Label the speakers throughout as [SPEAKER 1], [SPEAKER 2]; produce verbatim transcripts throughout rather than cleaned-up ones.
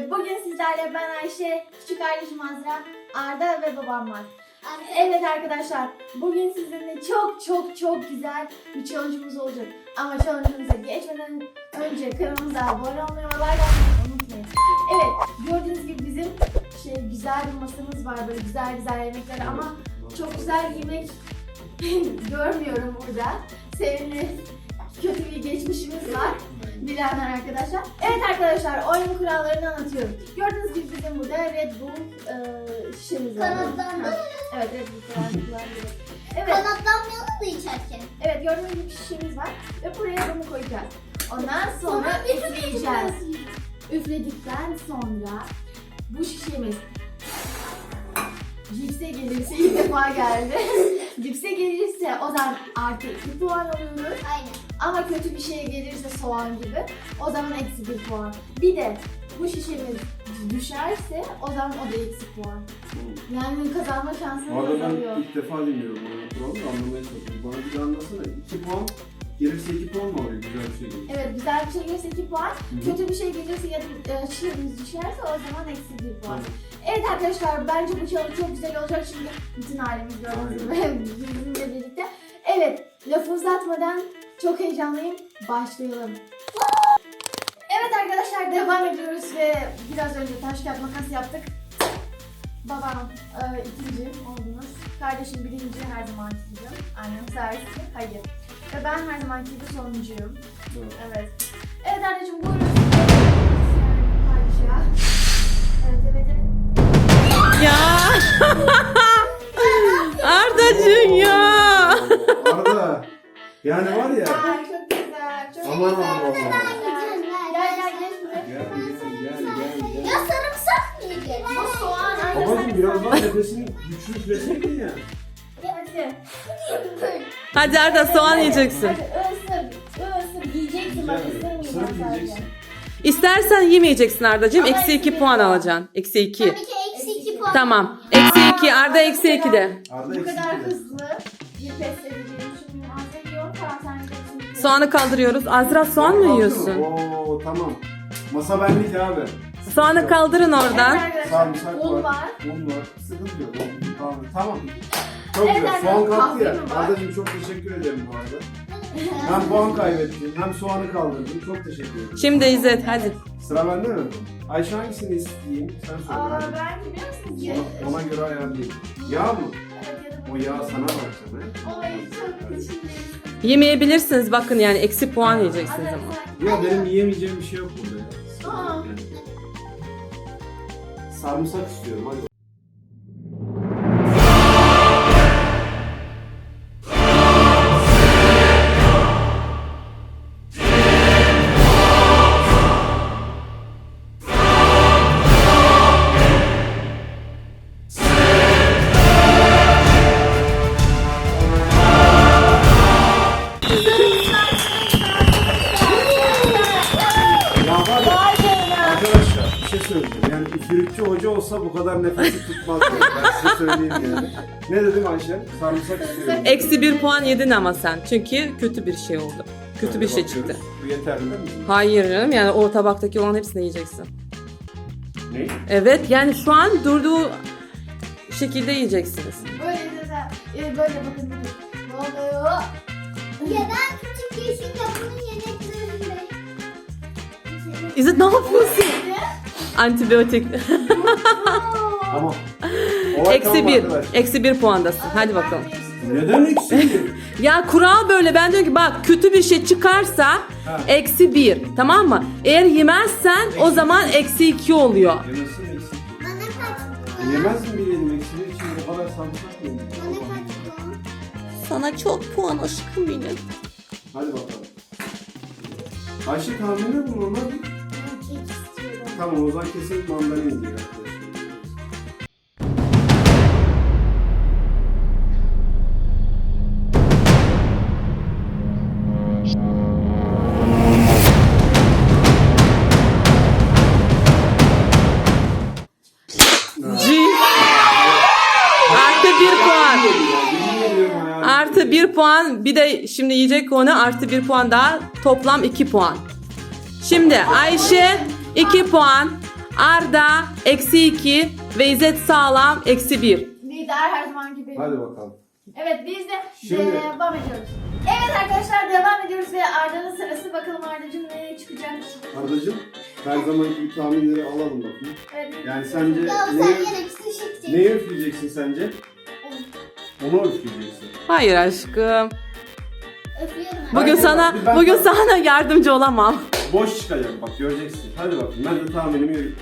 [SPEAKER 1] Evet, bugün sizlerle ben Ayşe, küçük kardeşim Azra, Arda ve babam var. Evet arkadaşlar, bugün sizinle çok çok çok güzel bir challenge'ımız olacak. Ama challenge'ımıza geçmeden önce kanalımıza abone olmayı ve like atmayı unutmayın. Evet, gördüğünüz gibi bizim şey güzel bir masamız var, böyle güzel güzel yemekler ama çok güzel yemek görmüyorum burada. Sevimli, kötü bir geçmişimiz var. Bilenler arkadaşlar. Evet arkadaşlar, oyunun kurallarını anlatıyorum. Gördüğünüz gibi bizim burada Red Bull e, şişemiz var.
[SPEAKER 2] Kanatlandı.
[SPEAKER 1] Evet, Red Bull kanatlandı. Evet.
[SPEAKER 2] Kanatlanmayalım da içerken.
[SPEAKER 1] Evet, gördüğünüz gibi şişemiz var ve buraya bunu koyacağız. Ondan sonra üfleyeceğiz. Üfledikten sonra bu şişemiz cipse gelirse ilk defa geldi. Cipse gelirse o zaman artı iki puan alıyoruz.
[SPEAKER 2] Aynen.
[SPEAKER 1] Ama kötü bir şey gelirse soğan gibi o zaman eksi bir puan. Bir de bu şişemiz düşerse o zaman o da eksi puan. Yani kazanma şansımız
[SPEAKER 3] Arada
[SPEAKER 1] azalıyor.
[SPEAKER 3] ben ilk defa dinliyorum bunu. Kuralı da anlamaya çalışıyorum. Bana bir de anlatsana. iki puan gelirse iki puan mı oluyor? Güzel bir şey gelirse.
[SPEAKER 1] Evet, güzel bir şey gelirse iki puan.
[SPEAKER 3] Hı-hı.
[SPEAKER 1] Kötü bir şey gelirse ya da e, şişemiz düşerse o zaman eksi bir puan.
[SPEAKER 3] Aynen.
[SPEAKER 1] Evet arkadaşlar, bence bu challenge çok güzel olacak şimdi bütün ailemiz gördüğünüz gibi bizimle birlikte. Evet, lafı uzatmadan çok heyecanlıyım. Başlayalım. Evet arkadaşlar, devam ediyoruz ve biraz önce taş kağıt makas yaptık. Babam e, ikinci oldunuz. Kardeşim birinci, her zaman ikinci. Annem servisi, hayır. Ve ben her zamanki gibi sonuncuyum.
[SPEAKER 3] Evet.
[SPEAKER 1] Evet. Evet anneciğim, buyurun. Harika. Evet, evet, evet.
[SPEAKER 4] Ya Ardacığım ya.
[SPEAKER 3] Arada yani var ya.
[SPEAKER 1] Ay çok güzel. Çok
[SPEAKER 3] Aman
[SPEAKER 1] güzel.
[SPEAKER 3] Allah'ım.
[SPEAKER 1] Gel gel gel şuraya.
[SPEAKER 3] Gel gel gel gel.
[SPEAKER 2] Ya sarımsak mı yiyeceğiz?
[SPEAKER 1] Bu soğan anne
[SPEAKER 3] Babacım
[SPEAKER 1] sen-
[SPEAKER 3] biraz daha nefesini güçlü üfleseydin ya.
[SPEAKER 1] Hadi.
[SPEAKER 4] Hadi Arda soğan yiyeceksin.
[SPEAKER 1] Hadi ısır. Isır. Yiyeceksin bak, ısırmayacağım
[SPEAKER 3] Sırf
[SPEAKER 1] sadece.
[SPEAKER 3] yiyeceksin.
[SPEAKER 4] İstersen yemeyeceksin Ardacığım.
[SPEAKER 1] Ama
[SPEAKER 4] Eksi
[SPEAKER 1] eksi
[SPEAKER 4] iki
[SPEAKER 1] bir
[SPEAKER 4] puan
[SPEAKER 1] puan.
[SPEAKER 4] alacaksın. Eksi iki.
[SPEAKER 2] Tabii ki eksi iki puan.
[SPEAKER 4] Tamam. Eksi iki. Arda eksi iki de.
[SPEAKER 3] Arda
[SPEAKER 1] Bu
[SPEAKER 3] eksik
[SPEAKER 1] kadar
[SPEAKER 3] bile.
[SPEAKER 1] hızlı bir pes edeceğim. Şimdi ağzına yiyorum. Tamam, sen yiyeceksin.
[SPEAKER 4] Soğanı kaldırıyoruz. Azra soğan mı
[SPEAKER 3] Aldın
[SPEAKER 4] yiyorsun?
[SPEAKER 3] Oo tamam. Masa benlik abi.
[SPEAKER 4] Soğanı kaldırın
[SPEAKER 1] Evet
[SPEAKER 4] oradan.
[SPEAKER 1] arkadaşlar,
[SPEAKER 3] Sarımsak
[SPEAKER 1] un
[SPEAKER 3] var.
[SPEAKER 1] var.
[SPEAKER 3] Un var. Sıkıntı yok. Tamam. Tamam. Çok
[SPEAKER 1] Evet,
[SPEAKER 3] güzel.
[SPEAKER 1] arkadaşlar,
[SPEAKER 3] Soğan kalktı ya.
[SPEAKER 1] kahve mi var?
[SPEAKER 3] Ardacığım çok teşekkür ederim bu arada. Hem puan kaybettin hem soğanı kaldırdın. Çok teşekkür ederim.
[SPEAKER 4] Şimdi İzzet hadi.
[SPEAKER 3] Sıra bende mi? Ayşe hangisini isteyeyim? Sen söyle.
[SPEAKER 1] Aa,
[SPEAKER 3] hadi.
[SPEAKER 1] ben biliyor musunuz ki?
[SPEAKER 3] Ona, ona göre ayarlayayım. Yağ mı?
[SPEAKER 1] Evet, ya da
[SPEAKER 3] O yağ sana bakacağım he.
[SPEAKER 1] Ay çok teşekkür ederim.
[SPEAKER 4] Yemeyebilirsiniz bakın, yani eksi puan yiyeceksiniz ama.
[SPEAKER 3] Ya benim yiyemeyeceğim bir şey yok burada ya.
[SPEAKER 1] Aa.
[SPEAKER 3] Yani. Sarımsak istiyorum hadi. Ya var ya, arkadaşlar bir şey söyleyeceğim. Yani üfürükçü hoca olsa bu kadar nefesi tutmaz. Yani. Ben size söyleyeyim yani. Ne dedim Ayşe? Sarımsak istiyorum.
[SPEAKER 4] Eksi bir puan yedin ama sen. Çünkü kötü bir şey oldu. Kötü bir şey
[SPEAKER 3] Bakıyoruz.
[SPEAKER 4] çıktı.
[SPEAKER 3] Bu yeterli değil mi?
[SPEAKER 4] Hayır canım, yani o tabaktaki olan hepsini yiyeceksin.
[SPEAKER 3] Ne?
[SPEAKER 4] Evet, yani şu an durduğu şekilde yiyeceksiniz.
[SPEAKER 1] Böyle güzel. Ee, böyle bakın. Ne oluyor?
[SPEAKER 2] Ya ben küçük yaşında bunun yemeklerinde.
[SPEAKER 4] İzzet ne yapıyorsun? Antibiyotik.
[SPEAKER 3] Tamam. Olay
[SPEAKER 4] Eksi
[SPEAKER 3] tamam
[SPEAKER 4] bir.
[SPEAKER 3] arkadaşlar.
[SPEAKER 4] Eksi bir puandasın. Hadi bakalım.
[SPEAKER 3] Neden eksi bir?
[SPEAKER 4] Ya kural böyle. Ben diyorum ki bak, kötü bir şey çıkarsa
[SPEAKER 3] Ha.
[SPEAKER 4] eksi bir. Tamam mı? Eğer yemezsen o zaman eksi iki oluyor.
[SPEAKER 3] Yemezsin eksi bir.
[SPEAKER 2] Bana kaç puan?
[SPEAKER 3] Yemez mi diyelim eksi bir için o kadar sarımsak mı?
[SPEAKER 2] Bana kaç puan?
[SPEAKER 4] Sana çok puan aşkım benim.
[SPEAKER 3] Hadi bakalım. Ayşe tahminde bulun onlar.
[SPEAKER 1] Kek istiyorum.
[SPEAKER 3] Tamam o zaman kesin mandalina diyor arkadaşlar.
[SPEAKER 4] C. Artı bir puan.
[SPEAKER 3] Yemin ediyorum hayal.
[SPEAKER 4] Artı bir puan. Bir de şimdi yiyecek onu, artı bir puan daha. Toplam iki puan. Şimdi Ayşe iki puan. Arda eksi iki ve İzzet Sağlam eksi bir.
[SPEAKER 1] Lider her zaman gibi.
[SPEAKER 3] Hadi bakalım.
[SPEAKER 1] Evet biz de
[SPEAKER 3] Şimdi-
[SPEAKER 1] devam ediyoruz. Evet arkadaşlar devam ediyoruz ve Arda'nın sırası. Bakalım Arda'cığım nereye çıkacak?
[SPEAKER 3] Ardacığım her zamanki gibi tahminleri alalım bakayım.
[SPEAKER 1] Evet,
[SPEAKER 3] Yani sence
[SPEAKER 2] Ya sen
[SPEAKER 3] neyi,
[SPEAKER 2] yine pişireceksin.
[SPEAKER 3] neyi üfleyeceksin sence? Onu üfleyeceksin.
[SPEAKER 4] Hayır aşkım.
[SPEAKER 2] Öpüyorum.
[SPEAKER 4] Bugün
[SPEAKER 3] Ben-
[SPEAKER 4] sana
[SPEAKER 3] ben-
[SPEAKER 4] bugün sana yardımcı olamam.
[SPEAKER 3] Boş çıkacak bak göreceksin. Hadi bakayım ben de tahminimi yürüteyim.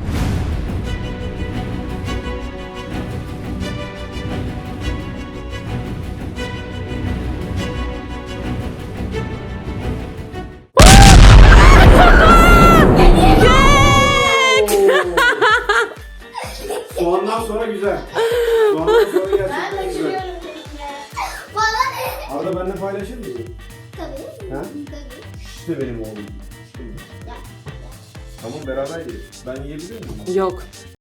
[SPEAKER 3] Soğandan sonra güzel. Soğandan sonra
[SPEAKER 1] Ben
[SPEAKER 3] gerçekten güzel.
[SPEAKER 1] kaçırıyorum tekne.
[SPEAKER 2] Bana ne?
[SPEAKER 3] Arada benimle paylaşır mısın?
[SPEAKER 2] Tabii.
[SPEAKER 3] Ha?
[SPEAKER 2] Tabii.
[SPEAKER 3] İşte benim oğlum. Tamam beraber yiyelim. Ben yiyebilir miyim?
[SPEAKER 4] Yok.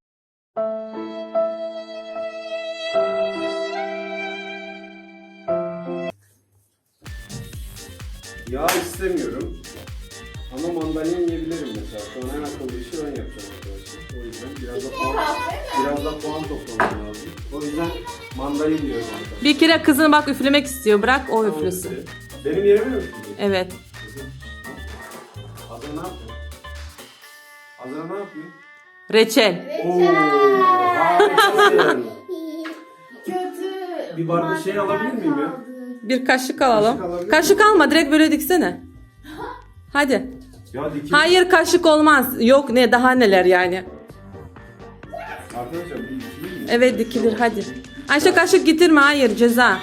[SPEAKER 3] Yağ istemiyorum. Ama mandalina yiyebilirim mesela. Sonra en akıllı işi ben yapacağım arkadaşlar. O yüzden biraz da puan, biraz da puan toplamam lazım. O yüzden mandalina diyorum arkadaşlar.
[SPEAKER 4] Bir kere kızını bak üflemek istiyor. Bırak o
[SPEAKER 3] Tamam,
[SPEAKER 4] üflüsün.
[SPEAKER 3] üfle. Benim yerime mi üfleyecek?
[SPEAKER 4] Evet.
[SPEAKER 3] Azra ne yapıyor? Azra ne yapıyor?
[SPEAKER 4] Reçel.
[SPEAKER 3] Oo, harikasın.
[SPEAKER 1] Kötü.
[SPEAKER 3] Bir bardak şey alabilir miyim ya?
[SPEAKER 1] kaldı.
[SPEAKER 4] Bir kaşık alalım.
[SPEAKER 3] Kaşık alabilir
[SPEAKER 4] Kaşık alma, direkt böyle diksene. Hadi.
[SPEAKER 3] Ya dikim.
[SPEAKER 4] Hayır kaşık olmaz. Yok ne daha neler yani.
[SPEAKER 3] Arkadaşlar bir dikilir mi?
[SPEAKER 4] Evet dikilir hadi. Ayşe kaşık getirme, hayır ceza.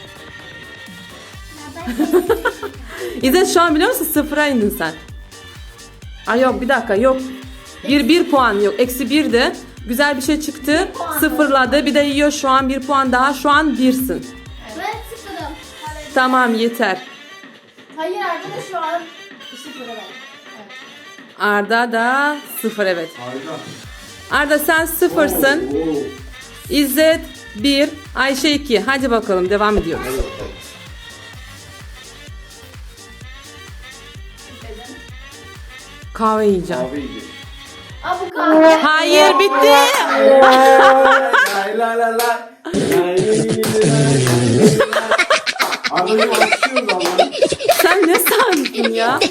[SPEAKER 4] İzzet şu an biliyor musun sıfıra indin sen. Ay yok bir dakika yok. Bir, bir puan yok. Eksi birdi. Güzel bir şey çıktı.
[SPEAKER 1] puan.
[SPEAKER 4] Sıfırladı. Bir de yiyor şu an bir puan daha. Şu an birsin.
[SPEAKER 2] Ben sıfırım.
[SPEAKER 4] Tamam yeter.
[SPEAKER 1] Hayır Arda da şu an sıfır evet. Evet.
[SPEAKER 4] Arda da sıfır evet.
[SPEAKER 3] Harika.
[SPEAKER 4] Arda sen sıfırsın.
[SPEAKER 3] Oo, oo.
[SPEAKER 4] İzzet bir. Ayşe iki. Hadi bakalım devam ediyoruz.
[SPEAKER 3] Hadi bakalım.
[SPEAKER 4] Kahve yiyeceğim.
[SPEAKER 3] Kahve yiyeceğiz.
[SPEAKER 1] Aa bu kahve.
[SPEAKER 4] Hayır bitti.
[SPEAKER 3] Lay la la la. Lay li li li li lay. Arda'cığım alkışlıyoruz Allah'ım.
[SPEAKER 4] Sen ne sandın ya?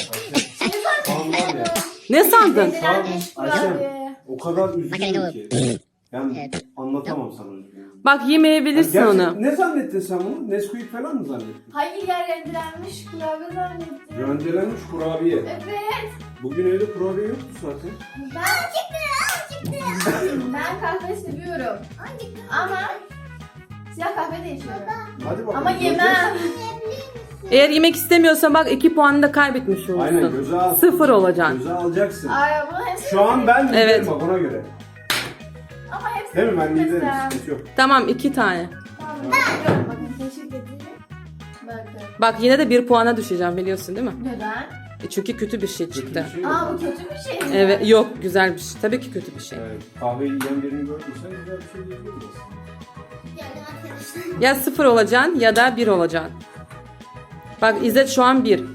[SPEAKER 3] Tamam var ya.
[SPEAKER 4] Ne sandın?
[SPEAKER 3] Tamam
[SPEAKER 1] Ayşem.
[SPEAKER 3] Ayşem. O kadar üzgünüm ki. Yani anlatamam sana üzgünüm.
[SPEAKER 4] Bak yemeyebilirsin
[SPEAKER 3] Gerçek-
[SPEAKER 4] onu.
[SPEAKER 3] Ne zannettin sen bunu? Nesquik falan mı zannettin?
[SPEAKER 1] Hayır yer rendelenmiş klavye zannettim.
[SPEAKER 3] Rendelenmiş kurabiye.
[SPEAKER 1] Evet.
[SPEAKER 3] Bugün evde kurabiye yoktu zaten.
[SPEAKER 1] Ben ben kahve seviyorum. Ama siyah kahve de içiyorum.
[SPEAKER 3] Hadi bakalım.
[SPEAKER 1] Ama yemem.
[SPEAKER 4] Eğer yemek istemiyorsan bak iki puanını da kaybetmiş olursun.
[SPEAKER 3] Aynen göze al.
[SPEAKER 4] Sıfır olacaksın.
[SPEAKER 3] Göze alacaksın.
[SPEAKER 1] Ay bunu hepsi.
[SPEAKER 3] Şu an ben liderim
[SPEAKER 4] Evet.
[SPEAKER 3] bak ona göre.
[SPEAKER 1] Ama hepsi.
[SPEAKER 3] Değil mi? Ben liderim.
[SPEAKER 1] Mesela.
[SPEAKER 3] Sıkıntı yok.
[SPEAKER 4] Tamam iki tane.
[SPEAKER 1] Tamam, bakın, bakın teşekkür ederim. Bakın.
[SPEAKER 4] Bak yine de bir puana düşeceğim biliyorsun değil mi?
[SPEAKER 1] Neden?
[SPEAKER 4] E çünkü kötü bir şey
[SPEAKER 3] Kötü
[SPEAKER 4] çıktı.
[SPEAKER 3] bir şey yok.
[SPEAKER 1] Aa bu kötü bir şey mi?
[SPEAKER 4] Evet yok güzel bir şey. Tabii ki kötü bir şey.
[SPEAKER 3] Evet, kahve yiyen birini gördüysen güzel bir şey diyebiliriz.
[SPEAKER 2] Yani arkadaşlar.
[SPEAKER 4] Ya sıfır olacaksın ya da bir olacaksın. Bak İzzet şu an bir.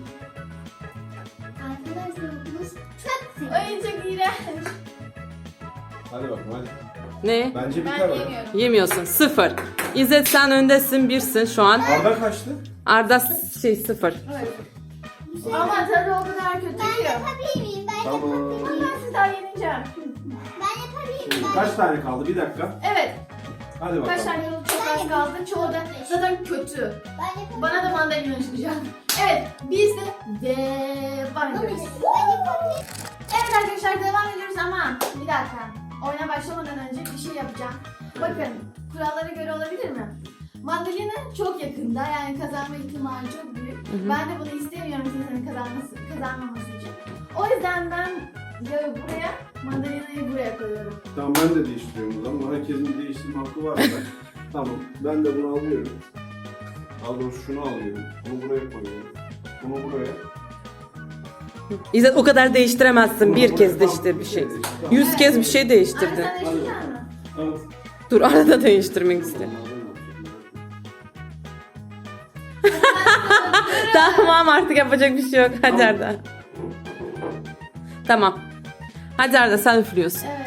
[SPEAKER 2] Arkadaşlar bu çok sevdim.
[SPEAKER 1] Ay çok iğrenç.
[SPEAKER 3] Hadi bakalım hadi.
[SPEAKER 4] Ne?
[SPEAKER 3] Bence
[SPEAKER 1] Ben
[SPEAKER 3] biter o.
[SPEAKER 1] yemiyorum.
[SPEAKER 4] Yemiyorsun. Sıfır. İzzet sen öndesin birsin şu an.
[SPEAKER 3] Arda kaçtı?
[SPEAKER 4] Arda şey sıfır.
[SPEAKER 1] Evet. Ama tadı o kadar kötü
[SPEAKER 2] Ben
[SPEAKER 1] ki.
[SPEAKER 2] yapabilir miyim? Ben
[SPEAKER 3] Tamam.
[SPEAKER 2] yapabilir miyim?
[SPEAKER 1] Ben sizi daha yeneceğim.
[SPEAKER 2] Ben yapabilir miyim?
[SPEAKER 3] Kaç tane kaldı? Bir dakika.
[SPEAKER 1] Evet.
[SPEAKER 3] Hadi bakalım.
[SPEAKER 1] Kaç tane yolu çok az kaldı. Çoğu da zaten kötü.
[SPEAKER 2] Ben yapabilirim.
[SPEAKER 1] Bana da mandalina çıkacak. Evet. Biz de devam ediyoruz.
[SPEAKER 2] Ben yapabilirim.
[SPEAKER 1] Evet arkadaşlar devam ediyoruz ama bir dakika. Oyuna başlamadan önce bir şey yapacağım. Bakın kurallara göre olabilir mi? Mandalina çok yakında yani kazanma ihtimali çok büyük.
[SPEAKER 4] hı.
[SPEAKER 1] Ben de bunu istemiyorum kimsenin kazanması, kazanmaması için. O yüzden ben yağı buraya, mandalinayı buraya koyuyorum.
[SPEAKER 3] Tamam ben de değiştiriyorum o zaman. Herkesin bir değiştirme hakkı var. Tamam ben de bunu alıyorum. Daha doğrusu şunu alıyorum. Bunu buraya koyuyorum. Bunu buraya.
[SPEAKER 4] İzzet o kadar değiştiremezsin.
[SPEAKER 3] Bunu
[SPEAKER 4] Bir
[SPEAKER 3] buraya-
[SPEAKER 4] kez
[SPEAKER 3] Tamam,
[SPEAKER 4] değiştir bir
[SPEAKER 3] bir
[SPEAKER 4] şey.
[SPEAKER 3] kez değiştir.
[SPEAKER 4] Yüz kez bir şey
[SPEAKER 1] Anne
[SPEAKER 4] değiştirdin.
[SPEAKER 1] sen de yaşayacak mısın?
[SPEAKER 3] Tamam.
[SPEAKER 4] Dur arada değiştirmek istiyorum. Tamam artık yapacak bir şey yok. Hadi
[SPEAKER 3] Tamam.
[SPEAKER 4] Arda. Tamam. Hadi Arda sen üflüyorsun.
[SPEAKER 1] Evet.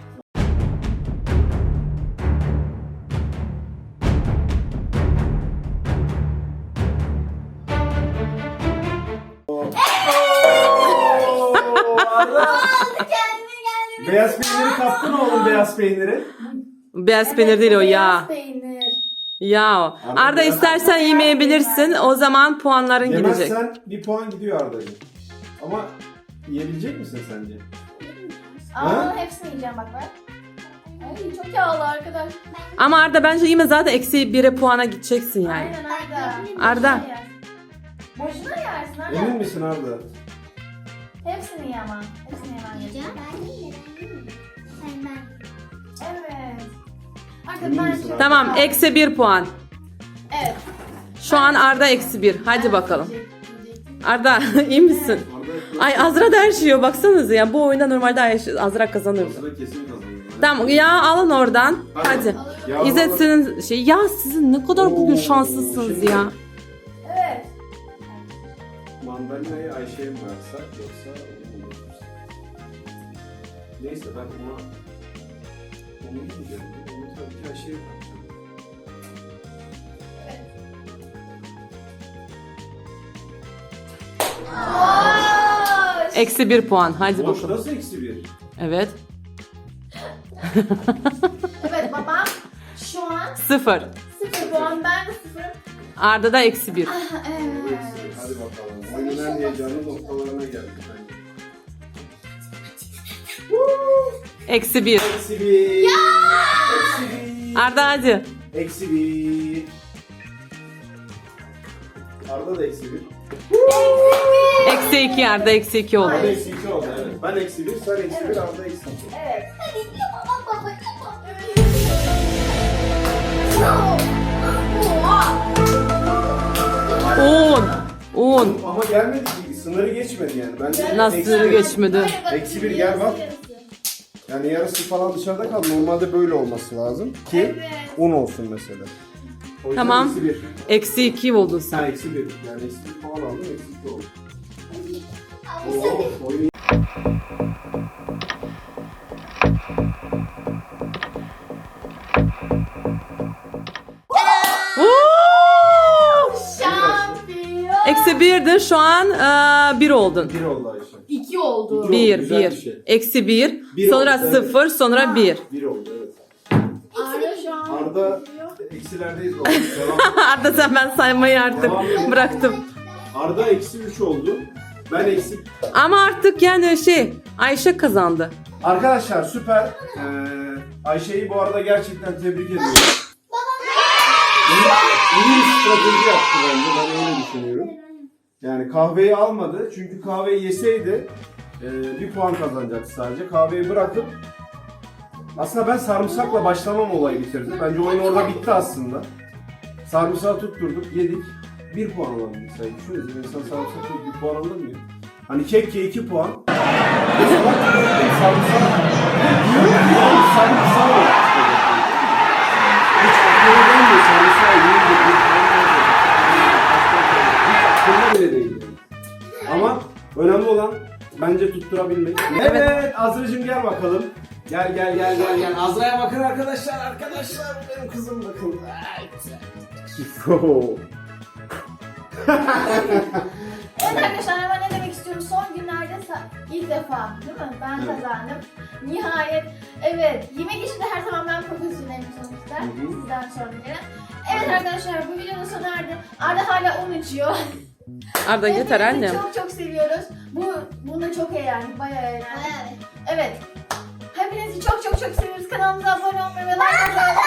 [SPEAKER 2] Kendine geldi.
[SPEAKER 3] Beyaz peyniri kaptın oğlum, beyaz peyniri.
[SPEAKER 4] Beyaz peynir değil o
[SPEAKER 1] beyaz
[SPEAKER 4] yağ.
[SPEAKER 1] peynir.
[SPEAKER 4] Yağ o.
[SPEAKER 3] Arda
[SPEAKER 4] Arda
[SPEAKER 3] beyaz
[SPEAKER 4] istersen yemeyebilirsin. O zaman puanların gidecek.
[SPEAKER 3] Yemezsen bir puan gidiyor Arda'cığım. Ama yiyebilecek misin sence?
[SPEAKER 1] Ama
[SPEAKER 3] Ha?
[SPEAKER 1] hepsini yiyeceğim bak ben. Ay çok yağlı arkadaş.
[SPEAKER 4] Ama Arda bence yeme zaten eksi bire puana gideceksin yani.
[SPEAKER 1] Aynen Arda.
[SPEAKER 4] Arda.
[SPEAKER 1] Boşuna yersin Arda.
[SPEAKER 3] Emin misin Arda?
[SPEAKER 1] Hepsini ye ama. Hepsini yemen
[SPEAKER 2] Yiyeceğim.
[SPEAKER 1] gerekiyor.
[SPEAKER 2] Ben de yiyeceğim. Sen ben.
[SPEAKER 1] Evet. Arda
[SPEAKER 3] Emin
[SPEAKER 1] ben
[SPEAKER 3] misin
[SPEAKER 1] çok-
[SPEAKER 3] Arda?
[SPEAKER 4] Tamam eksi bir puan.
[SPEAKER 1] Evet.
[SPEAKER 4] Şu an Arda eksi bir. Hadi bakalım. Arda iyi misin?
[SPEAKER 3] Arda
[SPEAKER 4] Ay Azra da her şey yiyor. Baksanıza ya bu oyunda normalde Ay- Azra kazanırdı.
[SPEAKER 3] Sıra kesin kazanıyor.
[SPEAKER 4] Tamam ya alın oradan. Hadi.
[SPEAKER 3] Ya
[SPEAKER 4] İzzet
[SPEAKER 3] baba-
[SPEAKER 4] senin şey ya sizin ne kadar bugün
[SPEAKER 3] Oo,
[SPEAKER 4] şanslısınız
[SPEAKER 3] şimdi-
[SPEAKER 4] ya.
[SPEAKER 1] Evet.
[SPEAKER 3] Mandalinayı Ayşe'ye mi versak yoksa onu mu götürsek? Neyse ben ona onu yiyeceğim. Onu tabii ki Ayşe'ye vereceğim.
[SPEAKER 1] Boş.
[SPEAKER 4] Eksi bir puan. Hadi
[SPEAKER 3] Boş
[SPEAKER 4] bakalım.
[SPEAKER 3] nasıl eksi bir?
[SPEAKER 4] Evet.
[SPEAKER 1] Evet babam şu an
[SPEAKER 4] Sıfır.
[SPEAKER 1] sıfır puan, ben de sıfır.
[SPEAKER 4] Arda da eksi bir.
[SPEAKER 1] Evet.
[SPEAKER 3] Hadi bakalım. Oyunun en heyecanlı noktalarına geldik bence.
[SPEAKER 4] Eksi bir.
[SPEAKER 3] Eksi bir. Eksi bir.
[SPEAKER 4] Arda hadi.
[SPEAKER 3] Eksi bir. Arda da eksi bir.
[SPEAKER 4] Eksi iki Arda eksi iki oldu.
[SPEAKER 3] Arda eksi iki oldu evet. Ben eksi bir, sen eksi bir, Arda eksi iki.
[SPEAKER 1] Evet.
[SPEAKER 2] Hadi yapma baba yapma.
[SPEAKER 1] Oha.
[SPEAKER 4] Un. Un.
[SPEAKER 3] Ama gelmedi ki, sınırı geçmedi yani. Ben de
[SPEAKER 4] Nasıl
[SPEAKER 3] eksi
[SPEAKER 4] sınırı
[SPEAKER 3] bir-
[SPEAKER 4] geçmedi?
[SPEAKER 3] Eksi bir gel bak. Yani yarısı falan dışarıda kaldı. Normalde böyle olması lazım ki
[SPEAKER 1] Evet.
[SPEAKER 3] un olsun mesela. O yüzden
[SPEAKER 4] Tamam.
[SPEAKER 3] Eksi bir.
[SPEAKER 4] Eksi iki oldun sen.
[SPEAKER 3] Ha eksi bir. Yani eksi bir falan aldım, eksi iki oldu. Oo, oyun
[SPEAKER 4] Woo!
[SPEAKER 1] Şampiyon.
[SPEAKER 4] Eksi birdi şu an eee, bir oldun.
[SPEAKER 3] bir oldu Ayşe.
[SPEAKER 1] İki oldu.
[SPEAKER 3] İki.
[SPEAKER 4] Bir,
[SPEAKER 3] Güzel
[SPEAKER 4] bir.
[SPEAKER 3] bir şey.
[SPEAKER 4] Eksi bir.
[SPEAKER 3] Bir
[SPEAKER 4] Sonra
[SPEAKER 3] oldu, evet.
[SPEAKER 4] sıfır, sonra bir.
[SPEAKER 3] Bir oldu evet.
[SPEAKER 1] Arda şu an.
[SPEAKER 3] Arda eksilerdeyiz baba. Devam.
[SPEAKER 4] Arda sen ben saymayı artık
[SPEAKER 3] Devam.
[SPEAKER 4] bıraktım.
[SPEAKER 3] Arda eksi üç oldu. Ben eksi...
[SPEAKER 4] Ama artık yani şey Ayşe kazandı.
[SPEAKER 3] Arkadaşlar süper. Ee, Ayşe'yi bu arada gerçekten tebrik ediyorum. İyi, iyi bir strateji yaptı bence. Ben öyle düşünüyorum. Yani kahveyi almadı. Çünkü kahveyi yeseydi e, bir puan kazanacaktı sadece. Kahveyi bırakıp aslında ben sarımsakla başlamam olayı bitirdi. Bence oyun orada bitti aslında. Sarımsağı tutturduk, yedik. Bir puan alabildik sayı. Düşünün, insan sarımsak yiyip bir puan alır mı ya? Hani kekke iki puan. Mesela sarımsak... Diyorum ki yani sarımsağı var. Hiç aklıma gelmiyor sarımsağı yiyince bir puan alacak. Hiç aklımda bile değil yani. Ama önemli olan bence tutturabilmek. Evet, evet Azra'cığım gel bakalım. Gel gel gel gel gel. Azra'ya bakın arkadaşlar arkadaşlar. Benim kızım bakın. Ay, güzel.
[SPEAKER 1] Evet arkadaşlar ama ne demek istiyorum, son günlerde sa- ilk defa değil mi ben
[SPEAKER 3] Evet.
[SPEAKER 1] kazandım. Nihayet evet, yemek işinde her zaman ben profesyonelim sonuçta,
[SPEAKER 3] Hı hı.
[SPEAKER 1] sizden sonra gelen. Evet arkadaşlar bu videonun sonu erdi. Arda hala un içiyor.
[SPEAKER 4] Arda yeter
[SPEAKER 1] Hepinizi
[SPEAKER 4] annem.
[SPEAKER 1] çok çok seviyoruz. Bu bunda çok eğlendik, bayağı eğlendik. Evet. Hepinizi çok çok çok seviyoruz. Kanalımıza abone olmayı ve like atmayı